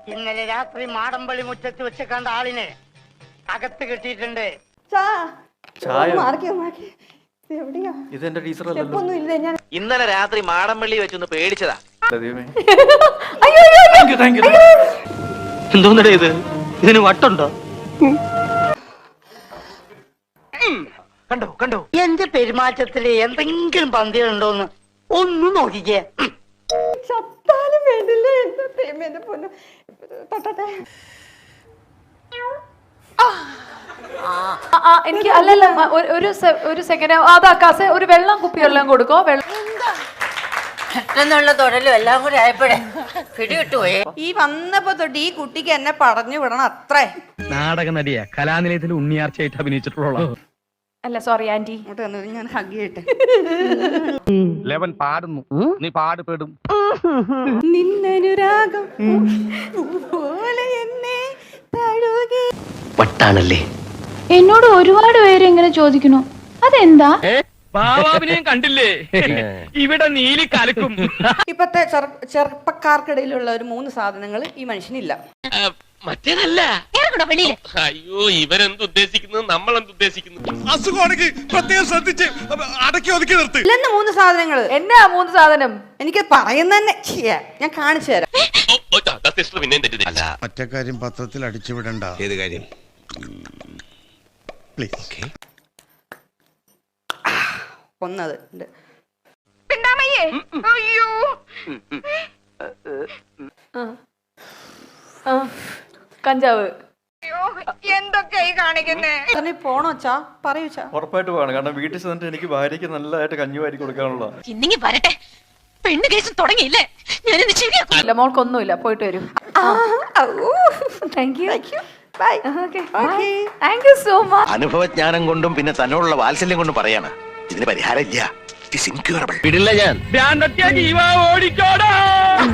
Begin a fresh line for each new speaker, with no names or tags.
ഇന്നലെ രാത്രി മാടമ്പള്ളി മുറ്റത്ത് വെച്ച് കണ്ട ആളിനെ അകത്ത് കിട്ടിയിട്ടുണ്ട്.
ഇന്നലെ രാത്രി മാടമ്പള്ളി വെച്ചൊന്ന് പേടിച്ചതാ.
എന്തോന്നടേ ഇത്? ഇതിന് വട്ടുണ്ടോ?
കണ്ടോ കണ്ടോ
എന്റെ പെരുമാറ്റത്തില് എന്തെങ്കിലും പന്തികളുണ്ടോന്ന് ഒന്ന് നോക്കിക്കേ.
ചത്താലും വേണ്ടില്ല. എന്റെ പൊന്നു തൊട്ടട്ടെ.
എനിക്ക് അല്ലല്ല ഒരു സെക്കൻഡ് അതാക്കാസെ ഒരു വെള്ളം കുപ്പി വെള്ളം കൊടുക്കോ.
പെട്ടെന്നുള്ള തൊടലും എല്ലാം കൂടെ ആയപ്പോഴേ പിടികിട്ടുപോയേ.
ഈ വന്നപ്പോ തൊട്ട് ഈ കുട്ടിക്ക് എന്നെ പറഞ്ഞു വിടണം അത്രേ.
നാടക നടിയാ, കലാനിലയത്തിൽ ഉണ്ണിയാർച്ചയായിട്ട് അഭിനയിച്ചിട്ടുള്ള.
അല്ല സോറി ആന്റി.
ഇങ്ങോട്ട് വന്നത് ഞാൻ ഹഗ് ചെയ്യട്ടെ.
ലെവൻ പാടുന്നു, നീ പാടുപെടും.
നിന്നനുരാഗം പോലെ എന്നെ തഴുകി.
വട്ടാണല്ലേ.
എന്നോട് ഒരുപാട് പേര് ഇങ്ങനെ ചോദിക്കണു, അതെന്താ?
ബാബാവിനെയും കണ്ടില്ലേ? ഇവിടെ നീലി കലക്കും.
ഇപ്പത്തെ ചെറുപ്പക്കാർക്കിടയിലുള്ള ഒരു 3 സാധനങ്ങൾ ഈ മനുഷ്യനില്ല.
മറ്റേതല്ല. അയ്യോ, ഇവരെന്തുദ്ദേശിക്കുന്നത്, നമ്മൾ എന്തുദ്ദേശിക്കുന്നു?
അസുഖമാണെങ്കിൽ പ്രത്യേകം ശ്രദ്ധിച്ച് അടക്കി ഒതുക്കി നിർത്ത്.
ഇല്ലെന്ന് 3 സാധനങ്ങൾ.
എന്നാ 3 സാധനം?
എനിക്ക് പറയുന്ന തന്നെ ഞാൻ കാണിച്ചു തരാം.
മറ്റേ കാര്യം പത്രത്തിൽ അടിച്ചുവിടണ്ട. ഏത് കാര്യം? പ്ലീസ്.
ഒന്നത് ഉണ്ട്.
കഞ്ചാവ്.
എന്തൊക്കെയായി കാണിക്കുന്നേ? പോണോച്ചാ പറയൂച്ചാ.
ഉറപ്പായിട്ട് വേണം. കാരണം വീട്ടിൽ ചെന്നിട്ട് എനിക്ക് ഭാര്യയ്ക്ക് നല്ലതായിട്ട് കഞ്ഞി വാരി കൊടുക്കാനുള്ള.
ഇന്നിങ്ങി വരട്ടെ, പെണ്ണ് കേസ് തുടങ്ങിയില്ലേ? ഞാനിന്ന് ശരിയാക്കും.
ഇല്ല, മോൾക്കൊന്നുമില്ല, പോയിട്ട് വരും. Thank you.
Bye.
Thank you so much.
അനുഭവജ്ഞാനം കൊണ്ടും പിന്നെ തന്നോടുള്ള വാത്സല്യം കൊണ്ടും പറയാണ്, ഇതിന് പരിഹാരം ഇല്ല. It is incurable.
വിടില്ല ഞാൻ. ഓടിക്കോടാ.